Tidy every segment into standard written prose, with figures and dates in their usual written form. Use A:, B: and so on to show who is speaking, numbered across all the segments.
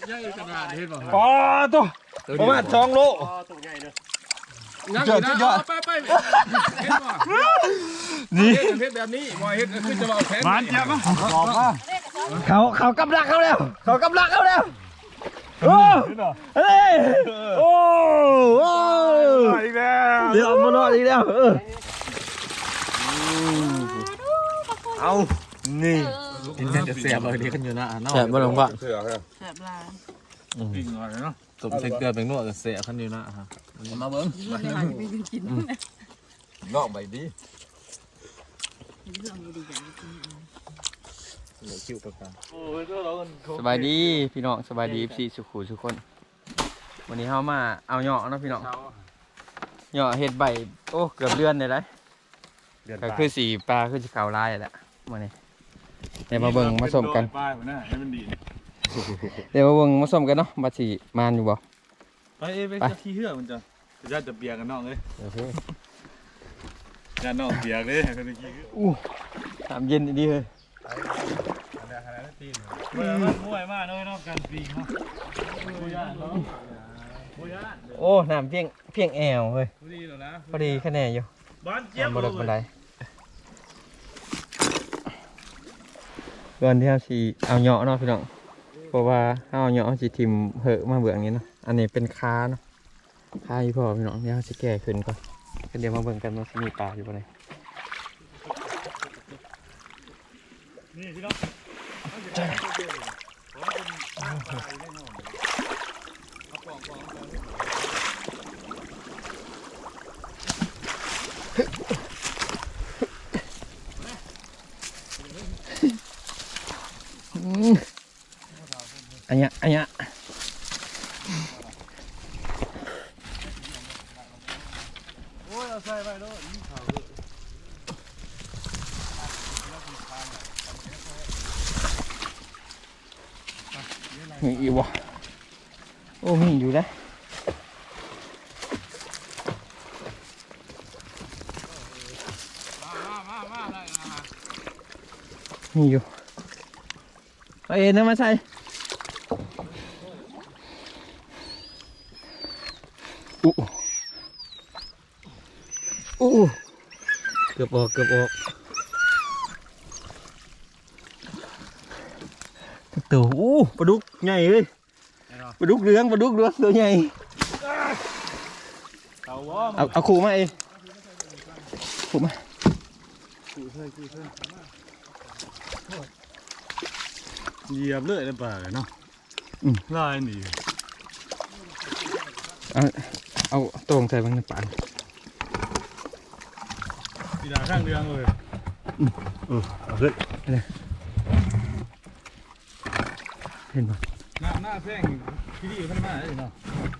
A: ใหญ่ขนาดเห็นป่ะ
B: อ๋อตัวประมาณ2 โล
A: ตัวใหญ่เลยงั้นนะไปเห็นป่ะนี่เห็นแบบนี้มอยเห็นคือจะเอาแขนมันจับมั้งบอกว่า
B: เขากำลังเขาแล้วโอ้เฮ้ยโอ้อีกแล้วเดี๋ยวมานอนอีกแล้วเอานี่กินเสียบเลยนี่ขึ้นอยู่นะเสียบมาลงปะ
C: เสือครับ
D: แซ่บลาย
A: ปิ้งหน่อยเนาะ
B: ตบเส้นเกลือเป็นนวดเสียขึ้นอยู่นะครับมาเบิ้ง
D: กิน
C: นอกใบดี
D: เรื่องดีๆอย่างนี้
B: คิวประกัน
E: สบายดีพี่น้องสบายดีพี่สุขุทุกคนวันนี้เฮามาเอาเหยาะเนาะพี่น้องเหยาะเห็ดใบโอ้เกือบเดือนเลยได้ก็คือสีปลาคือสีขาวลายแหละวันนี้เดี๋ยวมาเบิ่งมาส้มกัน
A: ป้ายหัวหน้าให้มันดี
E: เดี๋ยวมาเบิ่งมาส้มกันเนาะมาสีมานอยู่บ่
A: ไปขี้เหื่อมันจะจะเปียกกันนอกเลย
E: โอเค
A: กันนอกเปียกเลยคนขี้เหื่อ
E: อู้น้ำเย็นดีเลย
A: มันม่วยมากเลยนอกการปีเนาะ
E: โอ้น้ำเพียงแอวเฮ้ย
A: ดีแล้วนะ
E: พอดีคะแนนอยู่
A: บ้านเจี๊ยบ
E: บ่ดกบันไดก่อนที่เราสิเอาเหยาะเนาะพี่น้องเพราะว่าเอาเหยาะสิทิ่มเหอะมาเบื่ออย่างนี้เนาะอันนี้เป็นค้าเนาะค้าอยู่พอพี่น้องเดี๋ยวเราสิแก้ขึ้นก่อนเดี๋ยวมาเบิ่งกันว่าสิมีปลาอยู่บ่ไหน
A: นี่พี่น้อง
E: อันเนี้ย
A: โอ้ยเอาใส่ไปด้วย
E: มีอีกวะโอ้มีอยู่นะมีอยู่เอาเอ็นนะมาใส่อู้เกือบออกตัวปลาดุกใหญ่เลยปลาดุกเหลืองตัวใหญ่เอาขู่มาเองขู่มา
A: เหยียบเลยในป่าเลยเนาะลายหนี
E: เอาตรงใส่บางในปาก
A: ปีดาข้างเรืองเลย
B: เอาขึ้น
E: เห็นปะ
A: หน้าแพงที่ดีขึ้นมาเลยเนาะ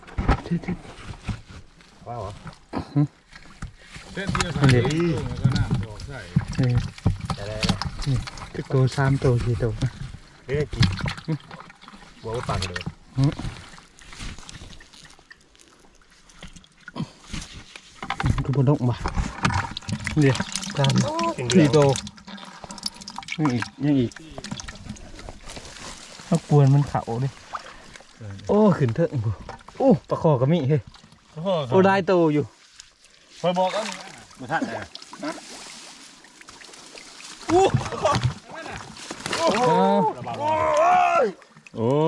B: ว้าว
A: เส้นที่เราใส่แล้วก็น้ำบอกใส่
E: ตัว3 ตัว 4 ตัว
B: ไม่ได้กินบอกว่าปากเลย
E: กูบนดงบ่เดี๋ยว3 4 ตัวยังอีกเอากวนมันเขาดิโอ้ขึ้นเถอะโอ้ปลาคอก็มีเฮ้ยโอ้ได้โตอยู่
A: คอยบอกกัน
B: มาทัดเลย
A: โอ้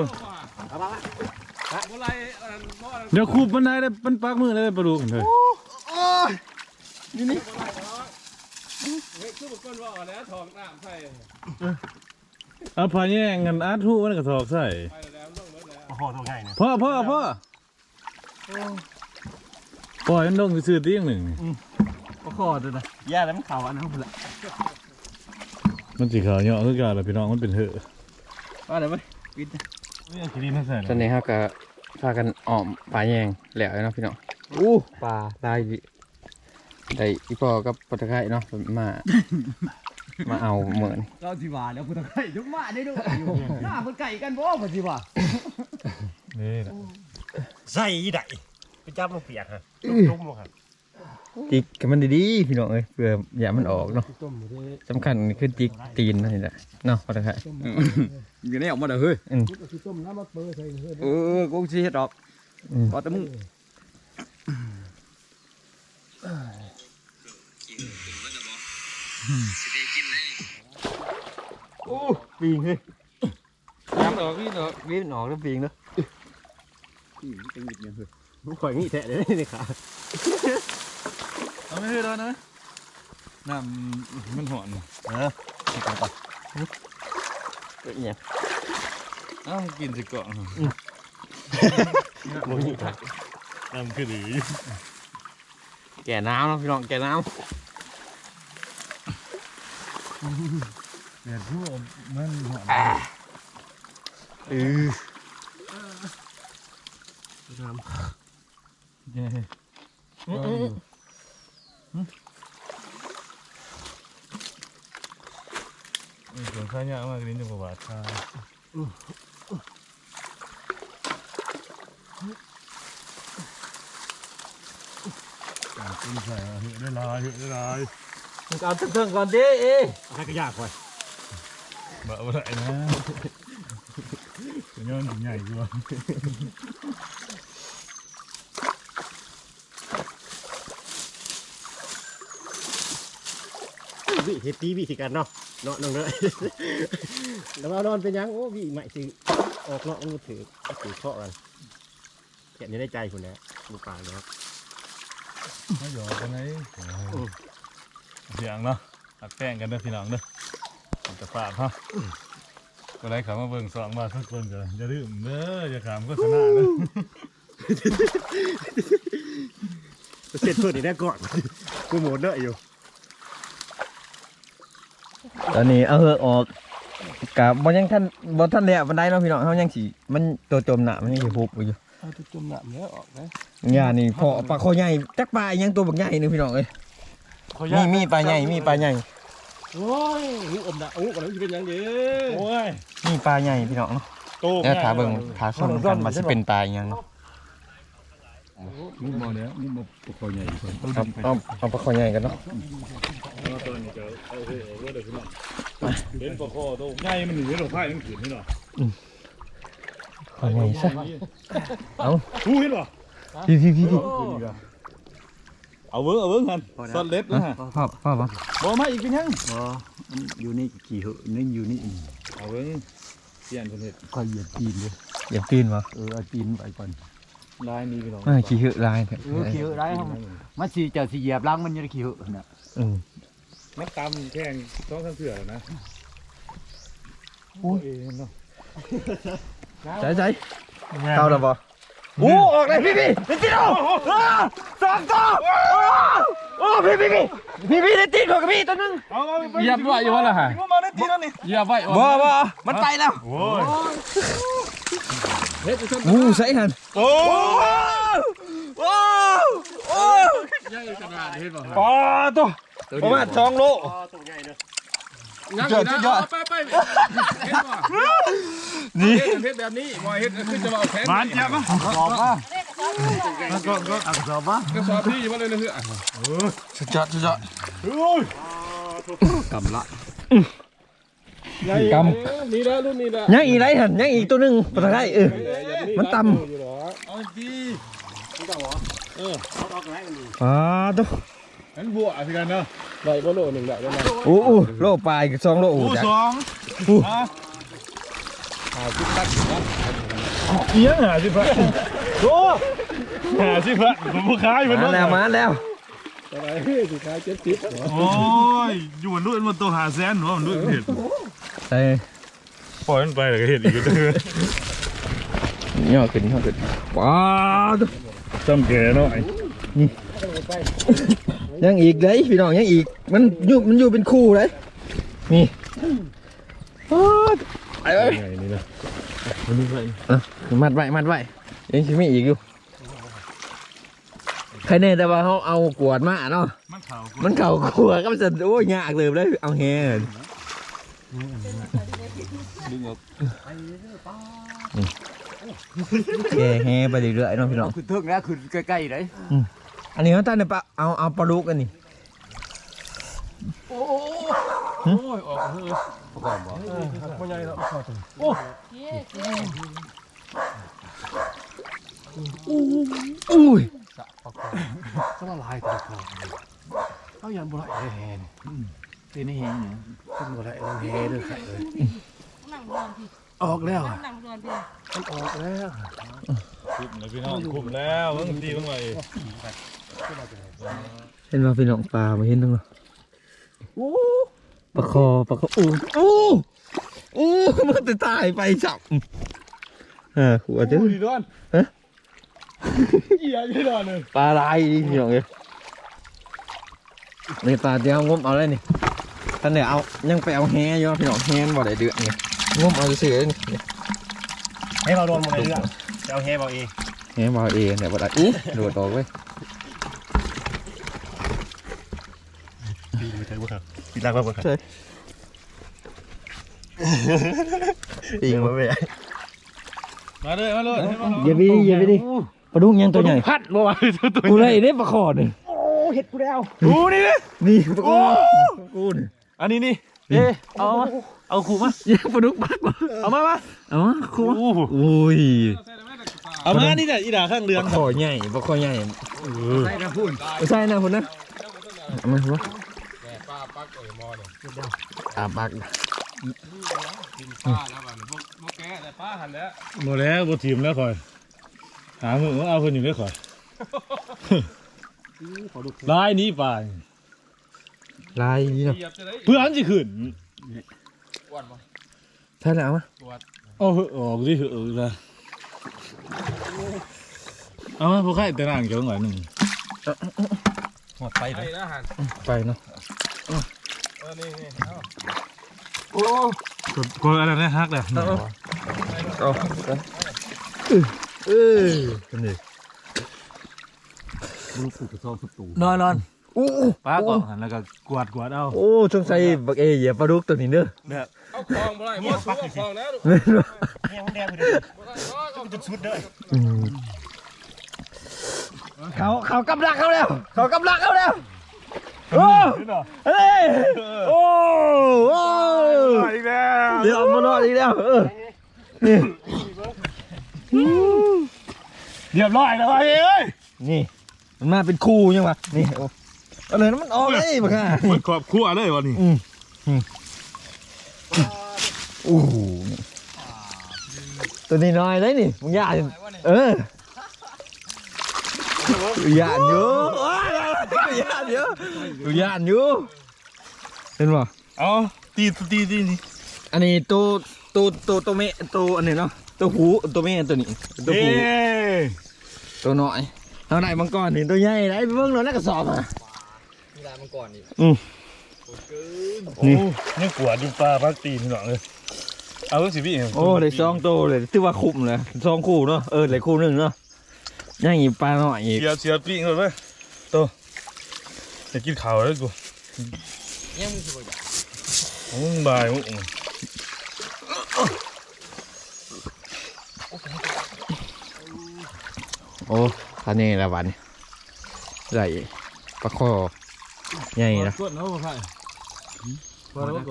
A: เดี๋ยวคูบมันได้เลยมันปักมือเลยปลาดุกเลยนี่คือบุกคนว่าแล้วถอกน้ำใส่เอาพาแย่งกันอาร์ทูมันก็ถอกใส่
B: โอ้โหตัวใหญ่เนี่ย
A: พ่อปล่อยมันลงซื้อตีอย่างหนึ่ง
E: ปลาคอด้วยนะย่าแล้วมันเขาอันนั้นพุ่นละ
A: มันสีขาวเนาะคือการละพี่น้องมันเป็นเหอะ
E: ว่าอะไรไหมปิด
A: นี่คิรินใส่
E: ตอนนี้ครับก็พากันอ้อมปลาแยงแหล้วเนาะพี่น้องปลาได้อีพอกับปลาตะไคร้เนาะมาเอาเหมือน
B: เราสิว่าแล้วพุทธไก่ยกมาได้ด้วยหน้าพุทธไก่กันบ่พุทธิว่า
A: นี่แหละ
B: ใส่ยี่ไดไปจับมันเปียกฮะลุ่มลงครับ
E: จิกกับมันดีๆพี่น้องเอ้ยเพื่ออย่ามันออกเนาะสำคัญคือจิกตีนนี่แหละเนาะพอได้
C: อยู่นี่ออกมาเด้อเฮ้ยกูสิเฮ็ดดอกก็แต่มึง
E: โอ้ปีงเฮ้ยน้ำออกวิ่งออกแล้วปีงเนาะ
B: มึงข่อยงี้แท้เลยนี่ขา
A: เอาไม่ให้แล้วนะน้ำมันหอน
E: เนี่ย
A: อ้าวกินสิก่อน
B: มึงงี้ขาน้ำคือดี
E: แก่น้ำเนาะพี่น้องแก่น้
A: เดี๋ยวที่มันหอน
E: ำ
B: น้ำ
A: เย้ส่วนข้าวยากมากลิ้นจะบาดคากินใส่เหือได้ลาย
E: มึงเอาเถิงๆก่อนดิเอ้
B: ให้ก็ยากข่อย
A: บ่าวไรนะย้อนใหญ่กว่า
B: วิเฮ็ดตีวิธีการเนาะน้องเด้อแล้วเอานอนเป็นยังโอ้วิใหม่สิออกเนาะมือถือเคาะกันแกะนี่ได้ใจคุณนะลูกปลาเนาะ
A: ไม่หยอกกันไหนเสียงเนาะตักแป้งกันเด้อพี่น้องเด้อจะฝากฮะอะไรขามาเบิ่งสองมาทุกคนกันอย่าลืมเด้ออย่าขามโฆษณาเด้อ
B: เสร็จเพื่อนนี่ได้ก่อนกูโหมดเด้ออยู่
E: ตอนนี้เอาเหือกออกกับบ่ยังท่านแล้วบันไดเนาะพี่น้องเฮายังสิมันตัวจมหนามันยังสิพุบอยู่
B: เอาตัวจุ่มน้ำเนี้ยออกนะ
E: ย่านี่พอปลาคอใหญ่จักปลาอีหยังตัวบักใหญ่นึงพี่น้องเอ้ยมีปลาใหญ่มีปลาใหญ่
B: โอ้ยหูอมนะอู้ก่อนแล้วจะเป็นยังเด้อ
A: โอ้ย
E: มีปลาใหญ่พี่น้องเนาะ
A: โต
E: แล้วถาเบิ่งถาส้มกันว่าสิเป็นปลาอีหยังเนาะ
A: มุกมอเนี้ยมุกมอปคอใหญ่คนต้อง
E: เอาปลาคอใหญ่กันเนาะ
A: ตัวนี้จะเอาเฮ้ยเอาเด้อพี่น้องเห็นปคอโตใหญ่มันหนีดอกไผ่มันขืนนี่เนาะ
E: คอใหญ่ซะเอา
A: หูเห็นป่ะ
E: พี่
A: เอาเบิ้งกันสเล็ดนะฮะ
E: พ่อบ่
A: บ่มาอีกเป็นยัง
C: อยู่นี่ขี่เหอะนี่อยู่นี่
A: เอาเบิ้งเปลี่ยนคนเห็ด
C: ก็เหยียบตีนเลย
E: อย่าปีนบ่
C: เอาตีนไปก่อน
A: ลายนี้พี่น้อง
E: ขี้หือลายเถอะ
C: ขี่เหอะได้ครับมันสิจะสิเหยียบล้างมันยังขี่เหอะน่ะ
A: มันตำแข่งต้องทำเถื่อนะโอ้ยเนาะ
E: ใจเข้าแล้วบ่โอ้ออกเลยพี่ติดเอาสองตัวโอ้พี่ได้ติดของพี่ตัวนึง
A: เหยียบไว้อยู่วะล่ะฮะเหยียบไว้
E: บ่มันไปแล้ว
A: โอ้ย
E: งูใส่หัน
A: โอ้
B: ใหญ่ขนาดเห็นป่ะ
E: ปอตัวประมาณ2 โล
B: ตัวใหญ่เด้อ
A: ยังอยู่นะไปเห็นป่ะ
E: นี่
A: เฮ็ดแบบนี้บ่เฮ็ดคือจะมาเอาแขน
B: บานเจ็บป่ะ
C: สอบป่ะ
B: ก็อักษรป่ะ
A: ก็สอบพี่อยู่มาเลยนะเฮ้ย
E: สุดยอด
C: กำละ
E: ก
A: นี่แล้วรุ่นนี้แล้ว
E: ยังอีกไรหันยังอีกตัวนึงปลาได้มันต่ำ
A: เอาดี
E: ปลาตัว
A: งั้นบวกสิกันเนาะได้บ่โลนึงได้ประมาณ
E: โอ้โลปลาย2 โลโอ้จัก
A: เอียง50บาทโอ้50บาทผมบ่ขายมัน
E: มาแล้ว
A: อะไรเฮ้ยสิขาย70
B: โอ้ยอยู่บนรุ่นมันตัวหาแสนหนูมันรุ่นเห็ด
E: ใส่
B: ปล่อยมันไปแล้วก็เห็ดอีกก็เด้อย่
E: อขึ้นปลาตัว
B: จำแก่เนาะ
E: ยังอีกเลยพี่น้องยังอีกมันอยู่เป็นคู่เลยนี่ไป
B: ไงนี่นะ
E: มัดไว้ยังชิมีอีกอยู่ใครแน่แต่ว่าเขาเอากวดมาเนาะ
B: มันเข่า
E: มันเข่ากวดก็มันจะโอ้ยยากเลยเลยเอาแฮแฮไปเรื่อยๆเนาะพี่น้อง
C: คือเทิงแล้วคือใกล้ๆเลย
E: อันนี้เขาตั้งเนี่ยปะเอาปลาดุกอันนี้
A: โอ้ยออกเฮ้ย
C: ประกอบบ่
B: บ่ใหญ่แล้วเข้าถึง
E: อุ้ย
C: ก็ละลายตัวคอเอายันบ่ได้แฮนเป็นให้แฮงเนี่ยเป็นบ่ได้เราแฮเด้อครับเอ้ย
D: นั่งรอนพี่
C: ออกแล้ว
D: นั่งรอนพี่
C: มันออกแล้ว
A: คุมแล้วพี่น้องคุมแล้วเบิ่งตีเบิ่งไว้
E: เห็นว่าพี่น้องปลาไม่เห็นตั้งหรอปลาคออู้มันจะตายไปจับหัวเจ้า
A: ดีดอนเหี้ยดีดอนเลย
E: ปลาลายดิพี่น้องเอ้ยในปลาเดียวงมเอาเลยนี่ท่านเนี่ยเอายังไปเอาแฮอยู่พี่น้องแฮนบ่ได้เดือดไงงมเอาเสือนี่
B: ให้เราโดนหมดเลยเรื่องจะเอาแฮเบาเอง
E: แฮมาเองเนี่ยบ่ได้อู้โดดออกเว้ย
B: ปีนไปเถอะบ่ครับปีนลากบ่ครับ
E: ปีงมาเว้ย
A: มาเลยมาเลย
E: อย่าไปดิปลาดุกยังตัวใหญ่
A: พัดบ่ว่าตัว
E: กูเลยได้ปลาคอนี่
B: โอ้เฮ็ดกูแล้ว
A: ดูนี่นะ
E: นี่ปลาคอกูนี่
A: อันนี้นี่เอาขู่มา
E: ยังปลาดุกบักว่ะ
A: เอามา
E: เอามาครูอุ้ย
A: เอามานี่เนี่ยอีด่าข้างเรื
E: ป
A: อง
E: ลาคอใหญ่ปลาคอใหญ่
C: ใส่น้ำพุ่น
E: ไม่ใช่นะคุณนะเอามาหัวปลาปัก
A: หมดแล้วบ่ทีมแล้วคอยหามือเอาคนอยู่ได้คอยลายนี้ไป
E: ลายนี่เนาะ
A: เพื่อนสิขึ้น
E: ใช่แล้วมั้ย
A: เอาออกดินะเอามาพวกใครแต่นั่งเกี่ยวหน่อยหนึ่ง
B: หมดไปเลย
E: ไปเนาะ
A: กดอะไรนะฮักเลย
E: เอานี่
C: ลูกผูกกระซองสุดตู
A: นอน
E: อู้
A: ป้าก่อนแล้วก็กวาดเอา
E: โอ้สงสัยบักเอเหยียบปลาดุกตัวนี้เด้อ
F: เอาคลองบ่ได้บ่สู้เอาคลองแล้วลูก
B: แฮมันแดงไปเลย
F: บ่ได้ก็
B: จุดชุดเลย
E: เขากำลังเขาแล้วเขากำลังเขาแล้วโอ้เฮ้ยโอ้
A: อีกแล้ว
E: เดี๋ยวมานอนอีกแล้วนี่
A: เรียบร้อยแล้วเอ้ย
E: นี่มันมาเป็นคู่ยังวะนี่โอ้อะไรนั้นมันออกเลยบักห่า
A: มันครอบครัวเลยวันนี้
E: โอ้โหตัวนี้น้อยเลยนี่มึงย่านย่านอยู่ย่านอยู่ย่านอยู่เห็นป่ะ
A: เอาตีนี่
E: อันนี้ตัวเมตัวอันนี้เนาะตัวหูตัวเมตัวนี้ตัวหูตัวน้อยเท่าไหร่มังกรนี่ตัวใหญ่ไรเบิ่งหน่อยนักกระสอบอ่ะ
C: มีลายมังกรนี่
A: นี่นี่กวาดดูปลาพักตีนหน่อยเลยเอาสิพี่
E: โอ้เลยสองตัวเลยที่ว่าคุ้มเลยสองคู่เนาะเลยคู่หนึ่งเนาะย่างอีปลาหน่อยอีก
A: เสียปีกเลยตัวจะกินข้าวแล้วกู
C: ยังมึงสิบ่อยาก
A: มึงบายมึง
E: โอ้ท่านี่ละวันใหญ่ปลาคอใหญ่นะ
A: กดแล้วใคร
C: พอแล้ว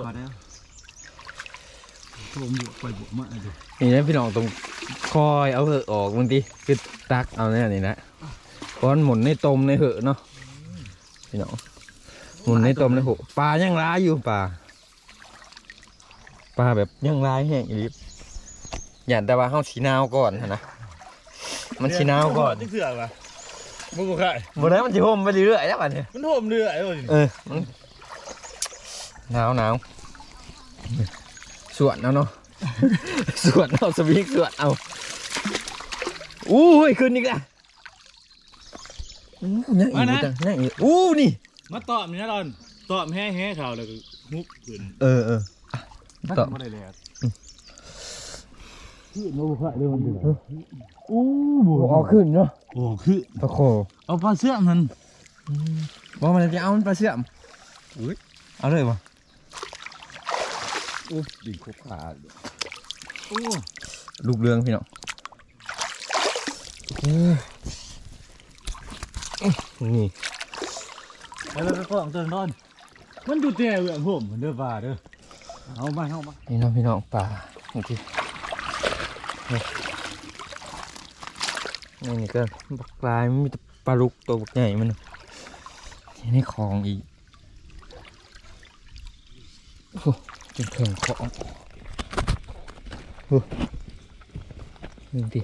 C: ตัวมึงไปบุกมาดิ
E: นี่นะพี่น้องตรงคอยเอาเหอะออกบางทีคือตักเอาเนี่ยนี่นะก้อนหมุนในต้มในเหอะเนาะพี่น้องหมุนในต้มในเหอะปลายังร้ายอยู่ปลาแบบยังร้ายแห้งอีกอย่าแต่ว่าเฮาสีนาวก่อนนะมันสีนาวก่อน
A: ที่เสือกว่ะมึงกูใคร
E: บนนั้นมันจะห่มไปเรื่อยๆแล้วบัดนี้
A: มันโหมเรือไอ้คน
E: มันหนาวสวนเอาเนาะ สวนเอาสวิงสวนเอาอู้ยขึ้นอีกแล้วยังอีกจังยังอีกอู้นี่
A: มาตอบนี่นะดอนตอบแห้ข่าวแล้วก็ฮุบขึ้น
E: เออต่อ
C: ไม่ได้เลย
E: เอาขึ้นเนาะ
A: โอ้คือ
E: ปลาโค
A: เอาปลาเสื้อมัน
E: ว่ามันจะเอามันปลาเสื่อมเอาเลยวะ
C: ดิ่งครบขา
E: ลูกเรืองพี่น้อง
B: นี่
A: แล้วก็ต้องตื่นนอนมันดูแต่เรื่องผมมันเด้อป่าเด้อเอามา
E: นี่น้องพี่น้องป่าโอเคนี่ก็บักลายมันมีแต่ปลาลูกตัวบักใหญ่มันยังในคลองอีกโอ้จนเข่งของโอ้นี่ดิ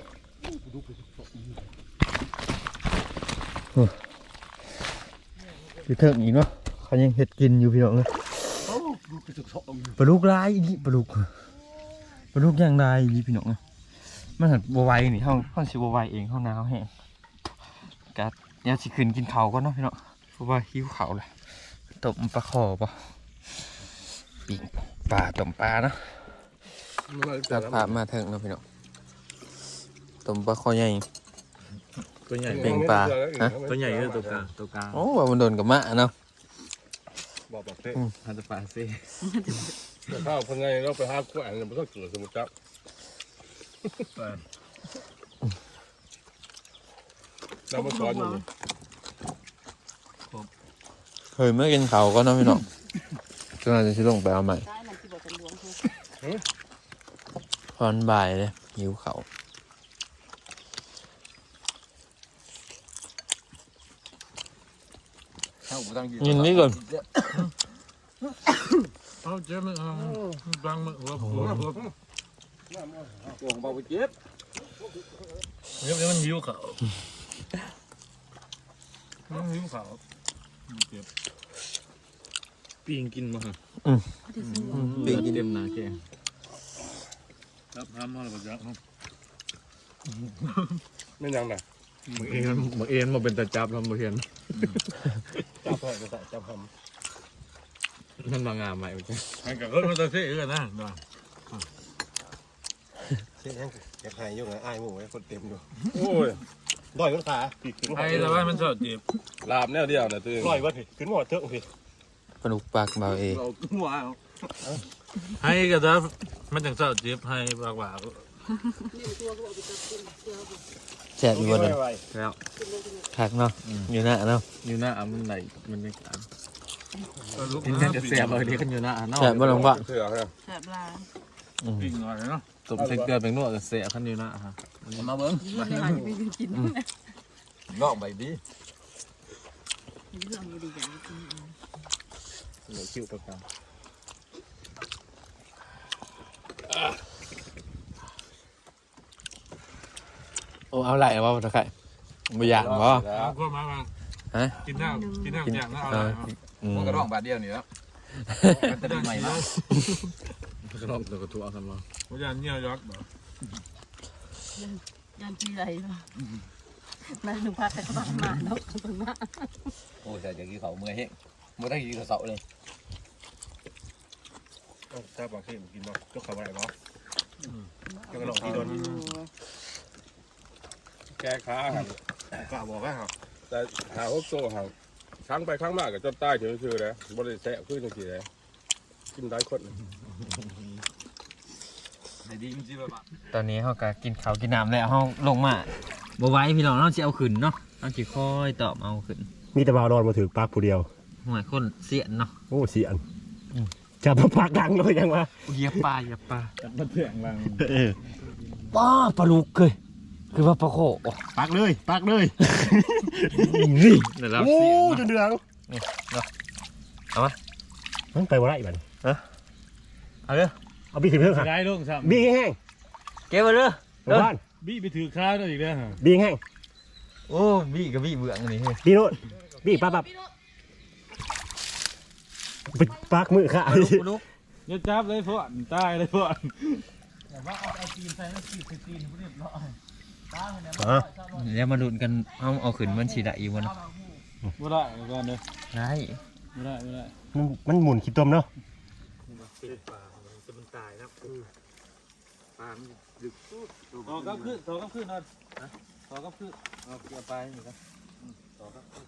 E: โอ้อยู่เถิงอีกเนาะเขายังเห็ดกินอยู่พี่น้องเลยปลาลูกลายอีกปลาลูกย่างลายอีกพี่น้องเลยมันหันบัวไวนี่ห้องสิบัวไวเองห้องน้ำแห้งกัดเนี่ยสิขึ้นกินเขาก็เนาะพี่น้องเพราะว่าหิวเขาเลยต้มปลาคอป่ะปีกปลาต้มปลาเนาะจับปลามาเถิงเนาะพี่น้องต้มปลาคอใหญ่
A: ตัวใหญ่
E: เป็นปลาฮะ
A: ตัวใหญ่คือตัวกลาง
E: โอ้ว่ามันโดนกับมะเนาะ
F: บอกเต้
A: ฮันจะปลาซิ
F: ข้าวคนไงเราไปหากุ้งเนี่ยมันต้องเกิดสมุทรจับเรามาสอนอยู่
E: เคยเมื่อกินเขาก็เนาะพี่น้องก็น่าจะชิลงไปเอาใหม่
D: ได้มันที่บอกเป็นหลวงคือ
E: พอนบ่ายเลยหิวเขายินนี่ก่อน
A: เอาเจ็บมั้ยบางมือหัวของเบาไปเจ็บเดี๋ยวมันหิวเขาเจ็บปีงกินมาฮะ
E: ปีกิน
A: เต็มหนาแกครับห้ามมาแล้วจับ
F: ไม่ยังนะ
A: มึงเอ็นมาเป็นตาจับแล้วมึงเห็น
F: จับไปจับท
A: มันมางามไหมไอ้กับรถมันตะเสียกันนะ
B: เช่นยังแกหายยุ่งไงอ้ายหมูไอ้คนเต็มอยู่
F: ำโอ้ย
B: ด้อยขึ้นขา
A: ไอ้แต่ว่ามันสดจีบ
F: ลาบแนวเดียวนะตัวเอง
B: ด้อยวะพี่ขึ้นหมดเถอะพี่
E: ปลาดุกปากเบาเอง
A: ให้ก็จะมันจังสดจีบให้ปากว่า
E: แซ่บอยู่บนนั้น
A: แล้ว
E: คักเนาะอยู่หน้าเนาะ
A: อยู่หน้ามันไหนมันไม่ขาดกินแค่จะเสียบเลยนี่กันอยู่หน้า
E: แซ่บบ่ลงปะ
F: เสือครับ
D: แสบลา
A: ปิ้งหน่อยเนาะตบเส้นเกลือเป็นนวดเสียขั้นอยู่หน้าฮะมาเบิ้ง
D: เรื่องหายไปกิน
A: งอกใบดี
D: เรื่องดีอย่างกิน
A: เหลือคิวตัวกลาง
E: โอ้เอาไหลว่าตะไคร้ไม่อยากบ่
A: เอาก็มาบ้าง
E: ฮะ
A: กินน้ำอย่างนั้นเอาอะไร
G: มันก็ร้องบาทเดียวนี่แล้วมันจะได้ใหม่มาก
A: กระรอกตัวกระตัวทำมาว่าจะเนี่ยยักษ์แบบ
D: ยันปีไรเนาะนั่นหนูพาแต่กระบะมาเนาะตรงนั้น
G: โอ้ยแต่อย่างนี้เขาเมื่อยเฮ้งเมื่อได้กี่กระเสาเลย
B: ถ้าบางทีกินบ่ก็เข้าไปบ่ก็กระโดดที่โดน
F: แก้ขาครับ
B: กล้าบอกว่าครับ
F: แต่หาพวกโซ่หาครั้งไปครั้งมากกับจนใต้เฉยๆเลยบริแสะขึ้นจังซี่เลยกินได้คน
G: ไอ้ดีมันจีบแบบ
E: ตอนนี้เขาก็กินข้าวกินน้ำแล้วเขาลงมาบ่ไหว้พี่น้องเราจะเอาขึ้นเนาะเราจะค่อยตอบเอาขึ้น
B: มีแต่บ่าวนอนมาถือปากผู้เดียว
E: ห่วยคนเสียนเนาะ
B: โอ้เสียนจับมาปากดังเลยยังวะ
E: เหยียบปลาเหยียบปลา
A: มันเถียงรัง
E: ป้าปลาลูกเลยคือว่าปลาโข
B: ปากเลยปากเลย
E: นี่เดี๋ยวเรา
B: โอ้
E: เสียน
B: จนเดือง
E: เอามา
B: มันไปบ่ได้บัด
E: เอาเด้อ
B: เอาบีขึ้นเพิ่มค่ะ
A: ได้ลงซ้
B: บีแห้ง
E: เก็บไว้เด้อ
B: ๆบ้าน
A: ำบี้ไปถือข้าวได้อีกแล้วฮะ
B: บีแห้ง
E: โอ้บี้กับบี้เบื่ออันนี้เฮ้ย
B: บีโน่นบีปั๊บปิดปากมือค่ะ
E: ปลาลูกปลาลูก
A: อย่าจับเลยพวกตายเลยพวก
E: เดี๋ยวมาดูกันเอาขึ้นมันฉีดได้อีกวัน
A: ไม่ได้ก่อนเลย
E: ได้
A: ไม่ได้
B: มันหมุนขี้ต้มเนาะ
A: ต่อกับขึ้นนอนต่อกับขึ้นเอาเกี่ยวไปนี่ครับต่อกับขึ้น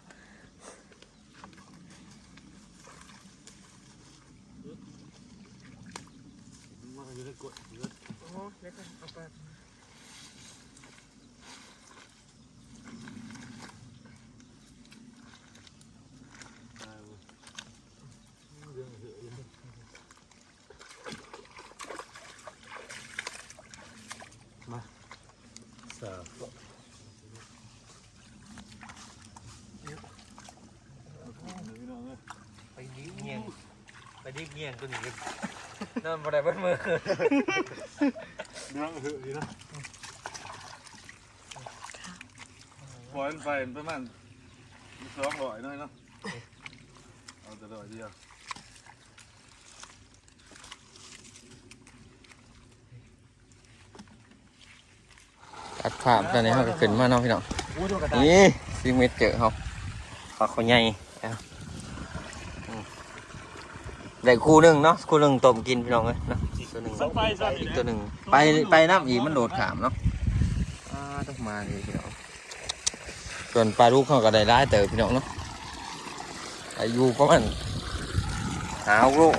A: มันอยู่ในกดเยอะโอ้เล็กเอาไป
B: ม
A: สาว
E: ไปดิบเงียงตัวนี้กันนั่นบ่ได้เบิดมือ
A: เนื้อหือดีนะปล่อยมันไฟประมาณ200น้อยเนาะเอาแต่100เดียว
E: ตัดภาพตอนนี้เขาก็ขึ้นมาเนาะพี่น้องนี่ซีเมตรเจอเขาปลาเขาใหญ่เอาได้คู่หนึ่งเนาะคู่หนึ่งต้มกินพี่น้องเลยเนาะตัวหนึ่งอีกตัวหนึ่งไปน้ำอีกมันโดดขามเนาะต้องมาเลยพี่น้องส่วนปลาลูกเขาก็ได้ร้ายเต๋อพี่น้องเนาะอายุประมาณ5 โล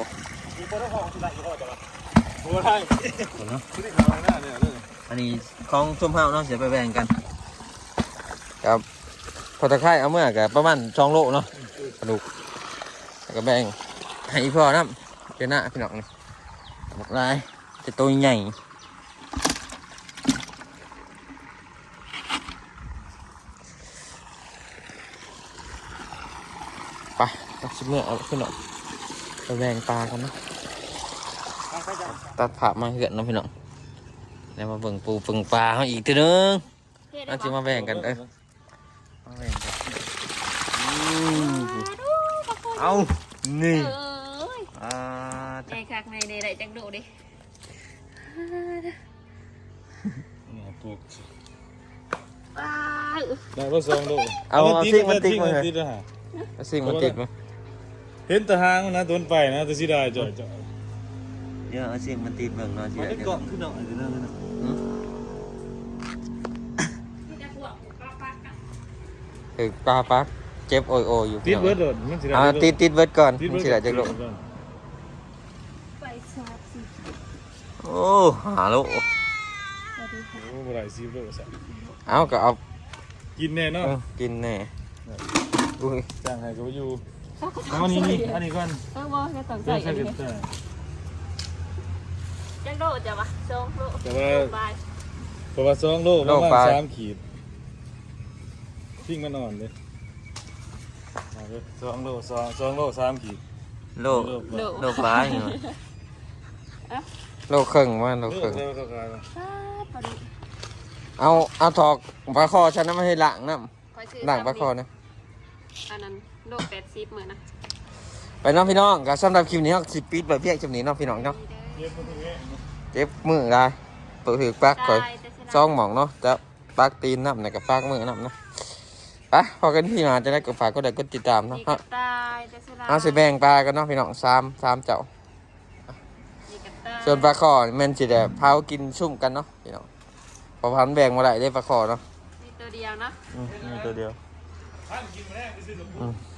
A: โอ้ได้เนาะที่ขาวหน้าเนี่ยเลย
E: อันนี้ของส้มเฮาเนาะเดี๋ยวไปแบ่งกันครับพอตะไคร้เอาเมื่อกับประมาณ2 โลเนาะกระดูกแล้วก็แบ่งให้อีพ่อน้ำเจ้าหน้าพี่น้องนี่บอกลายจะตัวใหญ่ไปตัดชิ้นเมื่อเอาขึ้นหน่อยไปแบ่งปลากันเนาะตัดผ่ามาเหือนเนาะพี่น้องแล้วมาเบิ่งปูเบิ่งปลาเขาอีกทีนึงน่าจะมาแบ่งกันมาแบ่งกันเอานี่
D: เอ้ยในคักในได้จักโดดิ
A: เนี่ยปลูก
D: ว้าว
A: ได้ว่า2 โล
E: เอาซิ่งมันติดมา
A: เล
E: เลย ยเอาซิ่งมันติดมา
A: เห็นแตะหางมันนะต้นไปนะแต่สิได้จ่อย
E: เดี๋ยวเอาซิ่งมันติดเบิ่งเนาะสิ
A: มัน
E: ได้
A: ได้เกาะขึ้นหน่อยเดี๋ยวนั่นนะ
E: คือปลาปักเจ็บโอยอยู่
A: ติดเบิร์ดโดดมันสิได้
E: ติดเบิร์ดก่อนมันสิได้จักโล
D: ไปชาร์จสิ
E: โอ้หาโล
D: สวัสดีค่ะ
A: โอ้บ่ได้10 โลซะ
E: เอาก็เอา
A: กินแน่เนาะ
E: กินแน่อุ้ย
A: จ้างให้ก็อยู่เอานี่อันนี้ก่อน
D: บ่จะต้องใส่
A: ใส่
D: อัน
A: กั
D: นี้
A: นแต่
D: จักโดดจ้ะวะ2 โล
A: แต่ว่า
D: บาย
A: เพราะว่า2 โลประมาณ3 ขีดทิ้งมันอ่อนเลยเอาเลย2 โล2 โล 3 ขีด
E: โล
D: โล
E: โลปลาอยู่โลครึ่งว่าโล
A: โล
E: ครึ่ง
A: เร็วเข้ากัน
D: พอดี
E: เอาถอกปลาคอฉันนั้นไม่ให้ล้างน้
D: ค่อยซื้อ
E: ำล้างปลาคอนะ
D: อันนั้นโล80เหมือนนะ
E: ไปน้องพี่น้องก็สำหรับคลิปนี้เราสิปิดแบบเพียงจำนี้เน้องพี่น้องเนาะ
A: เย็บมันตรงนี้
E: เจ็บมือได้เปิดถือปักก่อยซองหมองเนาะจะปักตีนน้ำในกับปักมือน้ำเนาะไปพอกันพี่มาจะได้กดฝากก็ได้กดติดตามเนาะ
D: นี่
E: ฮะ
D: กระต่ายแต่สลา
E: เอาสิแบ่งปลากันเนาะพี่น้องสามเจ้า
D: นี่กระต่าย
E: ส่วนปลาคอนี่แมันสิได้เผากินชุ่มกันเนาะพี่น้องพอพันแบ่งมาได้ได้ปลาคอเนาะ
D: มีตัวเดียวเนาะ
E: มีตัวเดียว
A: ท่านกินมาแน่ไปซื้อกับ
E: อืม